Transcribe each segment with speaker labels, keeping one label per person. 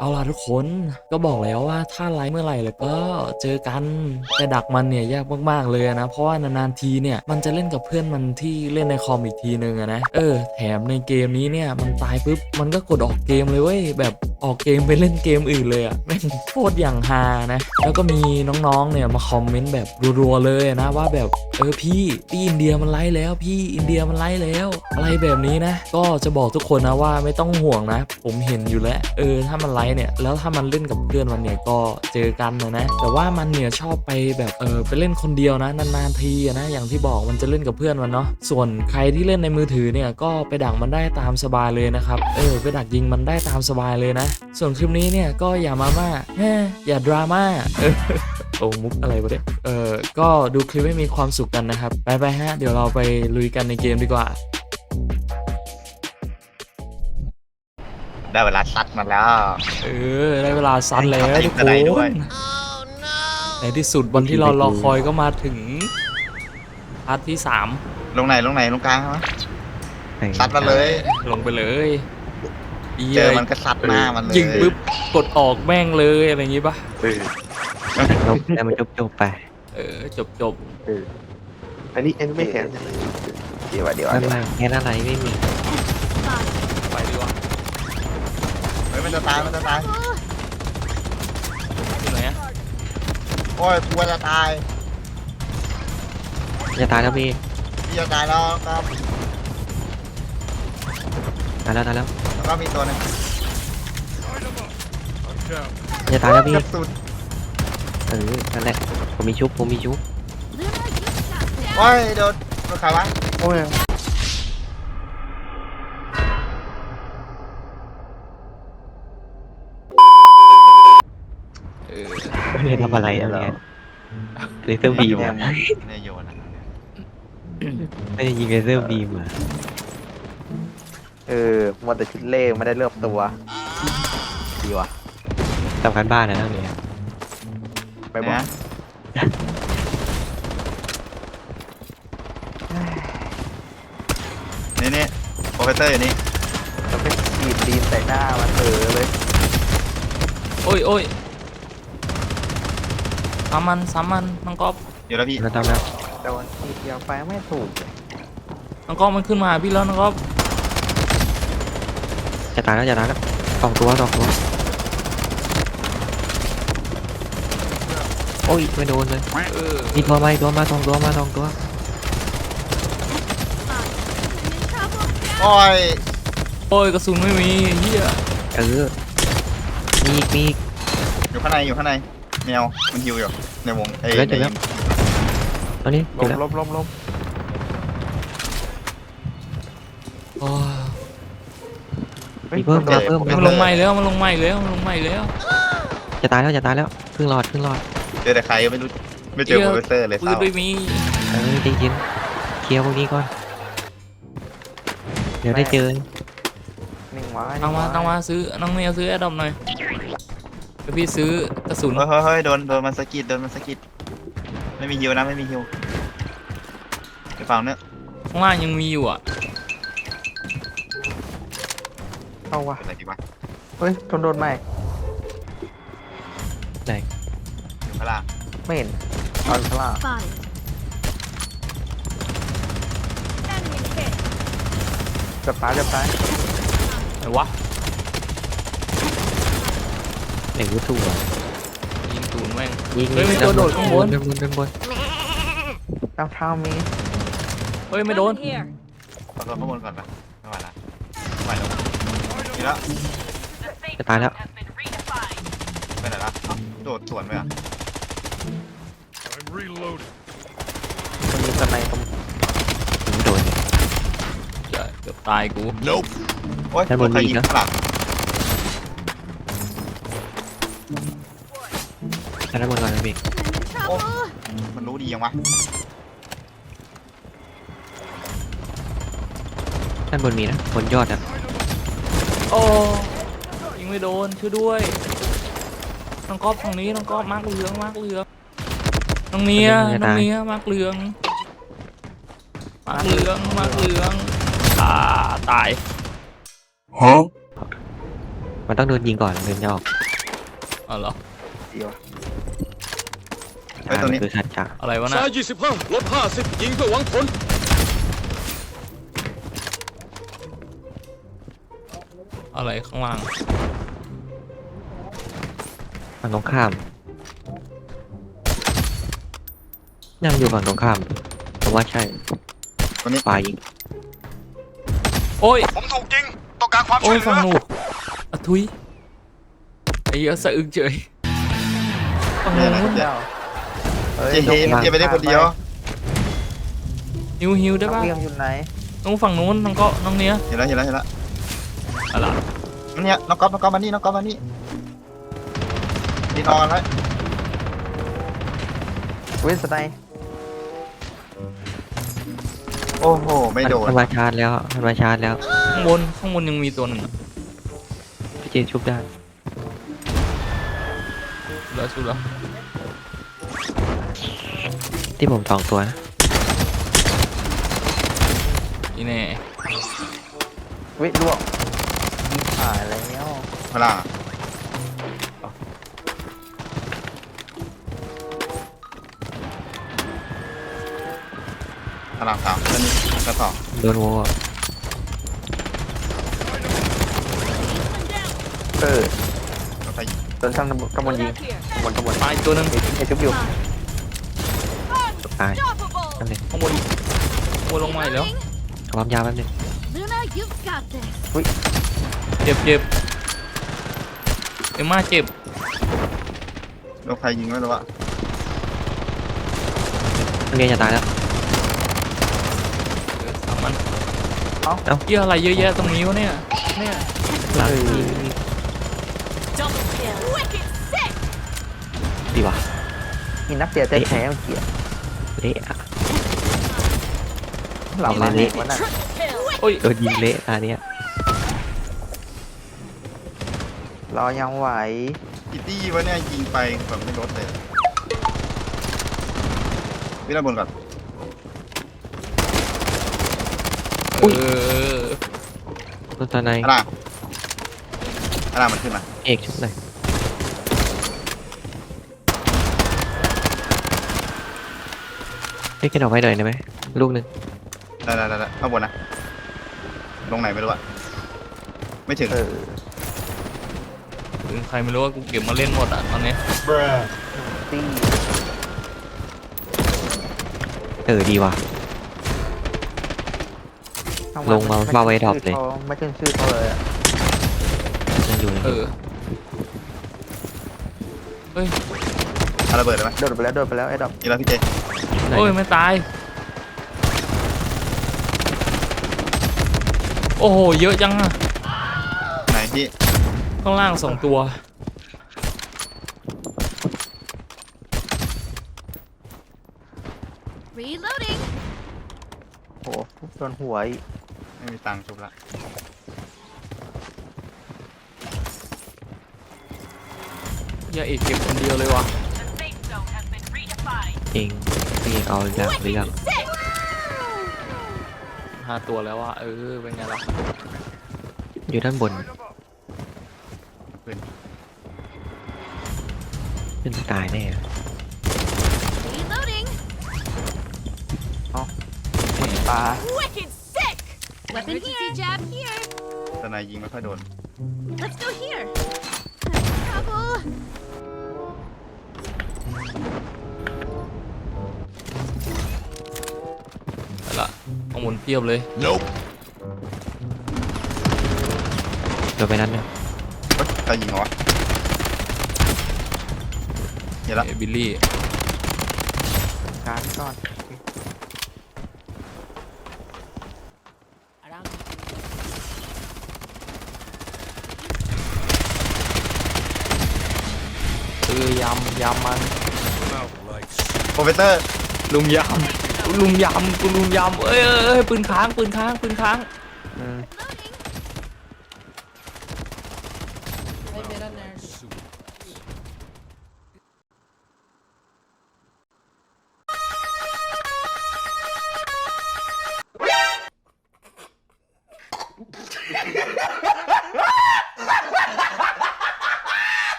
Speaker 1: เอาล่ะทุกคนก็บอกแล้วว่าถ้าไลฟ์เมื่อไหร่แล้วก็เจอกันแต่ดักมันเนี่ยยากมากๆเลยนะเพราะว่านานๆทีเนี่ยมันจะเล่นกับเพื่อนมันที่เล่นในคอมอีกทีนึงอะนะแถมในเกมนี้เนี่ยมันตายปุ๊บมันก็กดออกเกมเลยเว้ยแบบออกเกมไปเล่นเกมอื่นเลยอะแม่งโคตรอย่างฮานะแล้วก็มีน้องๆเนี่ยมาคอมเมนต์แบบรัวๆเลยนะว่าแบบพี่อินเดียมันไลฟ์แล้วพี่อินเดียมันไลฟ์แล้วอะไรแบบนี้นะก็จะบอกทุกคนนะว่าไม่ต้องห่วงนะผมเห็นอยู่แล้วถ้ามันไลฟ์เนี่ยแล้วถ้ามันเล่นกับเพื่อนมันเนี่ยก็เจอกันนะแต่ว่ามันเนี่ยชอบไปแบบไปเล่นคนเดียวนะนานๆทีนะอย่างที่บอกมันจะเล่นกับเพื่อนมันเนาะส่วนใครที่เล่นในมือถือเนี่ยก็ไปดักมันได้ตามสบายเลยนะครับไปดักยิงมันได้ตามสบายเลยนะส่วนคลิปนี้เนี่ยก็อย่ามาม่าอย่าดราม่าโอ้มุกอะไรวะเนี่ยก็ดูคลิปให้มีความสุขกันนะครับไปฮะเดี๋ยวเราไปลุยกันในเกมดีกว่า
Speaker 2: ได้เวลาซัดมาแล้ว
Speaker 1: ได้เวลาซัดแล้วทุกคนในที่สุดวันที่เรารอคอยก็มาถึงพาร์ทที่3
Speaker 2: ลงไหนลงกลางไหมซัดมาเลย
Speaker 1: ลงไปเลย
Speaker 2: เจอมันก็ซัดหน้ามันเลย
Speaker 1: ยิงปุ๊บกดออกแม่งเลยอะไรอย่างงี้ป่ะ
Speaker 3: ลบแต่มันจบไป
Speaker 1: จบ
Speaker 4: อันนี้ไม่แข็งเดี๋ยว
Speaker 3: ไม่แค่อะไรไม่มี
Speaker 1: ไปดีกว่า
Speaker 2: เฮ้ยมันจะตายอยู่
Speaker 1: ไหนอะ
Speaker 2: โอ้ยกลัวจะตาย
Speaker 3: แล้วพี่
Speaker 2: จะตายแล้วครับ
Speaker 3: ตายแล้ว
Speaker 2: แล้วก็มีตัวนึง
Speaker 3: ตายแล้วพี่
Speaker 2: กระสุน
Speaker 3: นั่นแหละผมมีชุบ
Speaker 2: โอ้ยโดนใครวะ
Speaker 4: โอ้ย
Speaker 3: ไม่ได้ทำอะไรเนี่ยเลเซอร์บีม
Speaker 2: ไม่โยนนะ
Speaker 3: ไม่ได้ยิงเลเซอร์บีม
Speaker 4: หมดแต่ชุดเล่ไม่ได้เลือกตัวดีวะ
Speaker 3: ทำการบ้านนะเนี่ย
Speaker 4: ไปบอก
Speaker 2: นี่โปรเฟสเซอร์อยู่นี่
Speaker 4: แล้วไปฉีดดีนใส่หน้ามันเลย
Speaker 1: โอ้ยสามมันน้องก๊อฟ
Speaker 2: อยู่แล้วพี่
Speaker 3: ทำแล้ว
Speaker 4: แต่ว่าฉีดยาไฟไม่ถูก
Speaker 1: น้องก๊อฟมันขึ้นมาพี่แล้วน้องก๊อฟ
Speaker 3: จะตายแล้วสองตัวโอ้ยไม่โดนเลยมีตัวมาสองตัว
Speaker 2: โอ้
Speaker 1: ยกระสุนไม่มีเฮีย
Speaker 3: มีอีก
Speaker 2: อยู่ข้างในแมวมันฮิวอยู่ในวง
Speaker 3: ตอนนี้
Speaker 4: ลบ
Speaker 3: มีเพิ่ม
Speaker 1: มันลงใหม่แล้ว
Speaker 3: จะตายแล้วครึ่งหลอด
Speaker 2: เจอแต่ใครไม่รู้ไม่เจอโปรเฟสเซอร์เลยเศร้า
Speaker 1: ด้วยมี
Speaker 3: ใจเย็นเคลียร์พวกนี้ก่อนเดี๋ยวได้เจอ
Speaker 4: นิ่งไว้
Speaker 1: ต้องมาซื้อน้องเมียซื้อแอดดอมหน่อยเดี๋ยวพี่ซื้อกระสุน
Speaker 2: เฮ้ยโดนมันสะกิดไม่มีฮิวไปฝั่งนี้
Speaker 1: ข้างล่างยังมีอยู่อ่ะ
Speaker 4: เอาวะ
Speaker 2: อะไรดีวะ
Speaker 4: เฮ้ยโดนใหม่
Speaker 3: ไหน
Speaker 2: อยู่ข้างล่าง
Speaker 4: ไม่เห็นตอนข้างล่างจับตาย
Speaker 1: ไหนวะ
Speaker 3: ไหนกูถูก
Speaker 1: ยิงตูนแม่ง
Speaker 3: ยิง
Speaker 1: ไม่โดนข้างบน
Speaker 4: เท้ามี
Speaker 1: ไม่โดน
Speaker 2: ขอโดนข้างบนก่อนปะไม่ไหวแล้วนี่แล้ว
Speaker 3: จะตายแล้ว
Speaker 2: ไปไหนละโดดสวนไปอ่ะ
Speaker 4: มันมีสไนป์
Speaker 3: ไม่โดน
Speaker 1: เกือบตายกู
Speaker 2: โอ้ยใครยิงข้างหลัง
Speaker 3: ด้านบนก่อนนะพี่
Speaker 2: มันรู้ดียังวะ
Speaker 3: ด้านบนมีนะบนยอดอ่ะ
Speaker 1: ยิงไม่โดนช่วยด้วยน้องก๊อฟฝั่งนี้น้องก๊อฟมากเหลืองน้องเมียมากเหลืองตาย
Speaker 3: ไปมันต้องโดนยิงก่อนถึงจะออก
Speaker 1: อ๋อเหรอ
Speaker 4: เดียว
Speaker 2: เฮ้ยตรงนี้
Speaker 3: มันคือสัจจะ
Speaker 1: อะไรวะนะ
Speaker 5: ซ้าย25ลด50ยิงเพื่อหวังผล
Speaker 1: อะไรข้างล่าง
Speaker 3: ฝั่งตรงข้ามนั่งอยู่ฝั่งตรงข้ามผมว่าใช่
Speaker 2: ตรงนี้
Speaker 3: ฝ่ายยิง
Speaker 1: โอ้ย
Speaker 5: ผมถูกยิงต้องการความ
Speaker 1: โอ้
Speaker 5: ช่วย
Speaker 1: ย
Speaker 5: เห
Speaker 1: ฟัง
Speaker 5: ลือ
Speaker 1: หนูอะทุยไอ้เหี้ยสะอึกเฉยฟัง
Speaker 2: เนี่ยนะ
Speaker 1: นู้น
Speaker 2: เดี๋ยว
Speaker 4: เฮ้ย
Speaker 2: เจเฮมันจะไปได้คนเดียว
Speaker 1: ฮิวได้
Speaker 4: น้อง
Speaker 1: ปะ
Speaker 4: เวียงอยู่ไหน
Speaker 1: น้องฝั่งนู้นน้องก็น้องเนี้ย
Speaker 2: เห็นแล้วเห็นแล้วเห็นแล้ว
Speaker 1: อะไร
Speaker 2: เนี่ยน้องก๊อฟมานี่น้องก๊อฟมานี่ดีนอนไว้
Speaker 4: เว้นสไน
Speaker 2: โอ้โหไม่โดน
Speaker 3: มันมาชาร์จแล้วมันมาชาร์จแล้ว
Speaker 1: ข้างบนยังมีตัวหนึ่งอะ
Speaker 3: พี่เจชุบได้
Speaker 1: แล้วสุดแล้ว
Speaker 3: ที่ผมสองตัวนะ
Speaker 1: อีแน่
Speaker 4: เว้ยลวกยิงผ่านแล้ว
Speaker 2: พลาพลังสามแล้วนี่กระสอบ
Speaker 3: โดนโว
Speaker 4: เออ
Speaker 2: แล้วใคร
Speaker 4: โดนช่างกำมลยิงกำมล
Speaker 1: ตายตัวหนึ่ง
Speaker 4: ไอ้จุ๊บอยู่
Speaker 3: ตายนั่นเลย
Speaker 1: ข้างบนลงมาอีกแล้ว
Speaker 3: ความยาวแป๊บนึง
Speaker 6: Luna, you've got this.
Speaker 1: เจ็บเอ็มม่าเจ็บ
Speaker 2: แล้วใครยิงไม่รู้อะ
Speaker 3: นักเรียนจะตายแล้ว
Speaker 1: สามมัน
Speaker 3: เอ้า
Speaker 1: เหี้ยอะไรเยอะแยะตรงนี้วะเนี่ยเนี่ย
Speaker 3: หลัง
Speaker 6: Double kill. Wicked sick.
Speaker 3: ดีว่ะ
Speaker 4: มีนักเสียใจแพ้เมื่อกี้
Speaker 3: เละอะ
Speaker 4: หลังมา
Speaker 3: เละ
Speaker 4: วันนั้น
Speaker 6: Triple kill.
Speaker 1: โอ้ย
Speaker 3: โดนยิงเละตาเนี้ย
Speaker 4: รอยังไหว
Speaker 2: อิตตี้วะเนี่ยยิงไปแบบไม่ลดเลยวิ่งระบนก่อน
Speaker 1: เออ
Speaker 3: ตัวตาใน
Speaker 2: อะไรมันขึ้นมา
Speaker 3: เอกชุบหน่อยเฮ้ยแกดอกไว้หน่อยได้ไหมลูกหนึ่ง
Speaker 2: ได้ข้างบนนะลงไหนไม่รู้อะไม่ถึง
Speaker 4: เออ
Speaker 1: ถึงใครไม่รู้ว่ากูเก็บมาเล่นหมดอ่ะตอนนี้
Speaker 4: ตี้
Speaker 3: ดีว่ะ ลงมาเฝ้าไว้ดรอปเลย
Speaker 4: ไม่ขึ้นชื่อเขาเลยอะ
Speaker 3: ยังอยู่เลย
Speaker 1: เออเฮ้ย
Speaker 2: เอาระเบิดเลยไหม
Speaker 4: โดดไปแล้วไอ้ดอก
Speaker 2: อีกแล้วพี่เจ
Speaker 1: โอ้ยไม่ตายโอ้โหเยอะจังอะ
Speaker 2: ไหนพี่
Speaker 1: ข้างล่าง2 ตัว
Speaker 6: Reloading.
Speaker 4: โอ้โหโดนหัวอีก
Speaker 2: ไม่มีตังค์ชุบละ
Speaker 1: อย่าเอกเก็บคนเดียวเลยวะ
Speaker 3: เองพี่เอกเอาเรื่องหรือยัง
Speaker 6: Sick.
Speaker 1: 5 ตัวแล้วอะเป็นไงล่ะ
Speaker 3: อยู่ด้านบน
Speaker 2: ขึ้น
Speaker 3: ขึ้นตายแน่
Speaker 6: Reloading.
Speaker 4: ตา
Speaker 6: Wicked sick. Weapon here. Jab here.
Speaker 2: แต่นายยิงไม่ค่อยโดน
Speaker 6: Let's go here. Trouble.
Speaker 1: ไปละข้างบนเพียบเลย
Speaker 3: โดนไปนั้นเนี่ย
Speaker 2: เฮ้ยใครยิงเหรอวะเห็นละ
Speaker 1: บิลลี่
Speaker 4: การก่อน
Speaker 1: ยำมัน
Speaker 2: โปรเฟสเตอร์
Speaker 1: ลุมยำกูลุมยำปืนค้าง
Speaker 4: อืม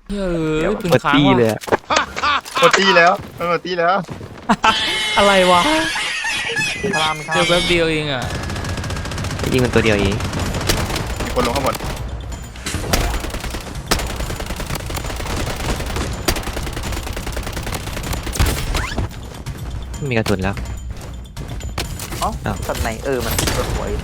Speaker 1: เฮ้ยปืน
Speaker 3: เปิด
Speaker 1: ค้าง
Speaker 3: ตี้เลย
Speaker 1: ว่ะ
Speaker 3: อะ
Speaker 2: หมดตีแล้วมันหมดตีแล้ว
Speaker 1: อะไรวะ
Speaker 4: ข้าม
Speaker 1: เจอแป๊บเดียวเองอ่ะ
Speaker 3: ยิงมันตัวเดียวเอง
Speaker 2: มีคนลงข้างบน
Speaker 3: ไม่มีกระสุนแล้ว
Speaker 4: อ๋อสัตว์ไหนมันตัวสวย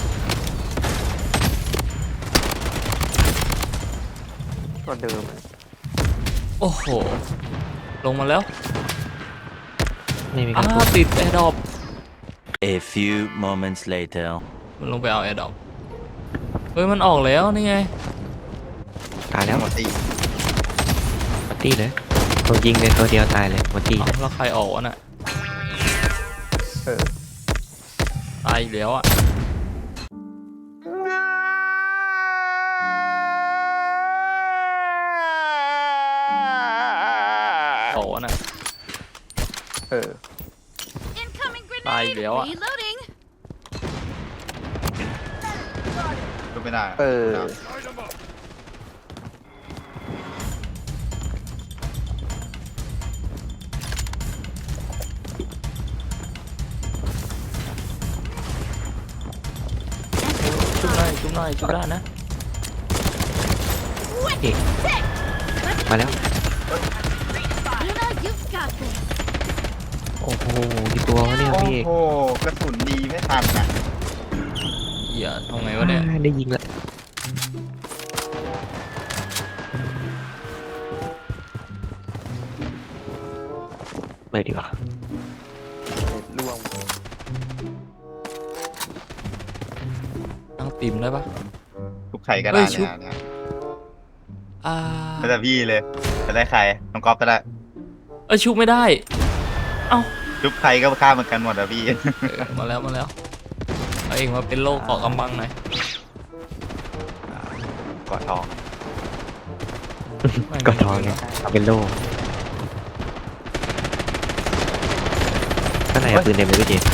Speaker 4: ตัวเดิม
Speaker 1: โอ้โหลงมาแล้ว
Speaker 3: ไม่มีกระสุน
Speaker 1: ติดแอร์ดรอป
Speaker 7: A few moments later.
Speaker 1: มันลงไปเอาแอร์ดรอปเฮ้ยมันออกแล้วนี่ไง
Speaker 3: ตายแล้ว
Speaker 2: หมดตี
Speaker 3: หมดตี้เลยตัวยิงเลยตัวเดียวตายเลยหมดตี้
Speaker 1: เอาแล้วใครออกวะน่ะ
Speaker 4: เออ
Speaker 1: ตายอีกแล้วอ่ะออกวะน่ะ
Speaker 4: เออ
Speaker 6: Incoming grenade.
Speaker 1: Bye, Leo.
Speaker 6: Reloading.
Speaker 2: ก็ไม่ได้
Speaker 4: เออ
Speaker 1: ชุบหน่อยชุบหน่อยชุบได้นะ
Speaker 6: Wicked sick.
Speaker 3: มาแล้ว
Speaker 6: Luna, you've got this.
Speaker 3: โอ้โหกี่ตัววะเนี่ย
Speaker 2: โอ้
Speaker 3: พี่
Speaker 2: โหกระสุนดีไม่ทันอ่ะ
Speaker 1: เหี้ยทำไงวะเนี่ย
Speaker 3: ได้ยิงละไปดีกว่า
Speaker 4: ล่วง
Speaker 1: ตั้งติ่มได้ปะ
Speaker 2: ทุกไข่ก็
Speaker 1: เฮ้
Speaker 2: ได้
Speaker 1: ยชุบ
Speaker 2: เนี่ย
Speaker 1: อ่า
Speaker 2: แล้วแต่พี่เลยจะได้ใครน้องก๊อฟก็ได้
Speaker 1: ชุบไม่ได้
Speaker 2: ชุบใครก็ฆ่าเหมือนกันหมดอะพี่
Speaker 1: มาแล้วมาแล้วเอาเองมาเป็นโลกเกาะกำบังหน่อย
Speaker 2: กอดทอง
Speaker 3: กดทองเนี่ยเป็นโล่ข้างในเอาปืนเต็มเลยพี่เจ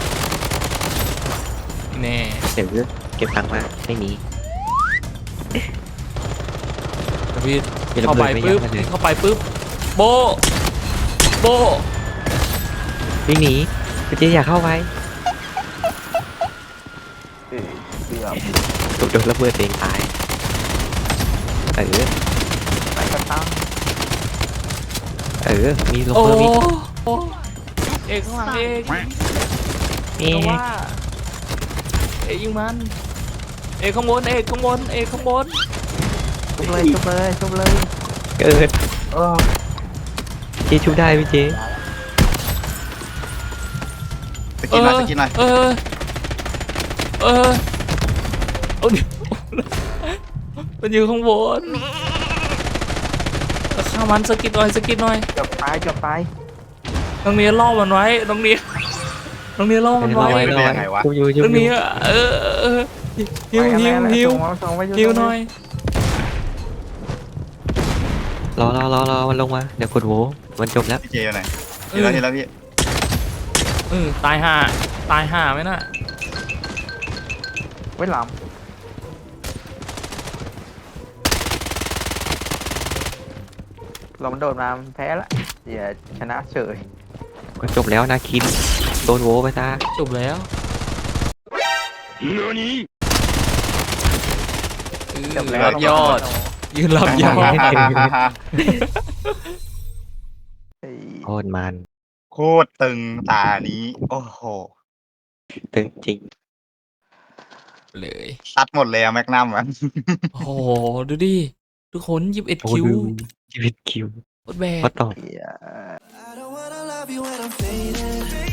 Speaker 1: แน่
Speaker 3: เดี๋ยวเก็บตังค์มาไม่มี
Speaker 1: พี่
Speaker 3: มีระ
Speaker 1: เข้า
Speaker 3: เบิ
Speaker 1: ไป
Speaker 3: ดไม่
Speaker 1: ปุ๊
Speaker 3: ยั้
Speaker 1: บ
Speaker 3: งกันเลย
Speaker 1: เข้าไปปุ๊บโบโบ
Speaker 3: วิ่งหนีพี่เจอยากเข้าไป
Speaker 4: เออเดือด
Speaker 3: ถูกโดนระเบิดเองตายเออ
Speaker 4: ไหนกระตั้ง
Speaker 3: มีลง
Speaker 1: โอ้
Speaker 3: เพิ่มอีก
Speaker 1: โอ้เอกข้างหลังเอก
Speaker 3: นี่
Speaker 1: ก็ว่าเอกยิงมันเอกข้างบนเอกข้างบนเอกข้างบน
Speaker 4: ชุบเลยชุบเลยชุบเลย
Speaker 3: เกิด
Speaker 4: เออ
Speaker 3: เจชุบได้พี่เจ
Speaker 2: สกินหน่อยสกินหน่อย
Speaker 1: เอาดิมันอยู่ข้างบนข้ามันสกิดหน่อยสกิดหน่อย
Speaker 4: เกือบตายเกือบตาย
Speaker 1: น้องเนี้ยล่อมันไว้น้องเนี้ยล่อมันไว้
Speaker 2: ไม่เป็นยังไงวะ
Speaker 3: ชุบอยู่ชุบ
Speaker 1: น้อง
Speaker 3: อยู่
Speaker 1: เนี้ยหิว
Speaker 4: ส่งไป
Speaker 1: หิวหน่อย
Speaker 3: รอมันลงมาเดี๋ยวกดโหวมันจบแล้ว
Speaker 2: พี่เจอยู่ไหนเห็นแล้วเห็นแล้วพี่
Speaker 1: ตายห่าไหมน่ะ
Speaker 4: ไว้หลังเรามันโดดมามันแพ้ละอย่าชนะเฉย
Speaker 3: ก็จบแล้วนะคินโดนโหวไปซะ
Speaker 1: จบแล้ว
Speaker 4: จบแล้ว
Speaker 1: รับยอดยืนรับยอด
Speaker 4: เฮ้ย
Speaker 3: โคตรมัน
Speaker 2: โคตรตึงตานี้ โอ้โห
Speaker 3: ตึงจริง
Speaker 1: เลย
Speaker 2: ซัดหมดเลยอะแมกนัมอะ
Speaker 1: โอ้โหดูดิทุกคน21
Speaker 3: โอ้
Speaker 1: คิว
Speaker 3: ดูชีวิตคิว
Speaker 1: โคตรแบก
Speaker 3: ก็ต้อง
Speaker 4: เหี้ย
Speaker 8: I don't wanna love you when I'm fading.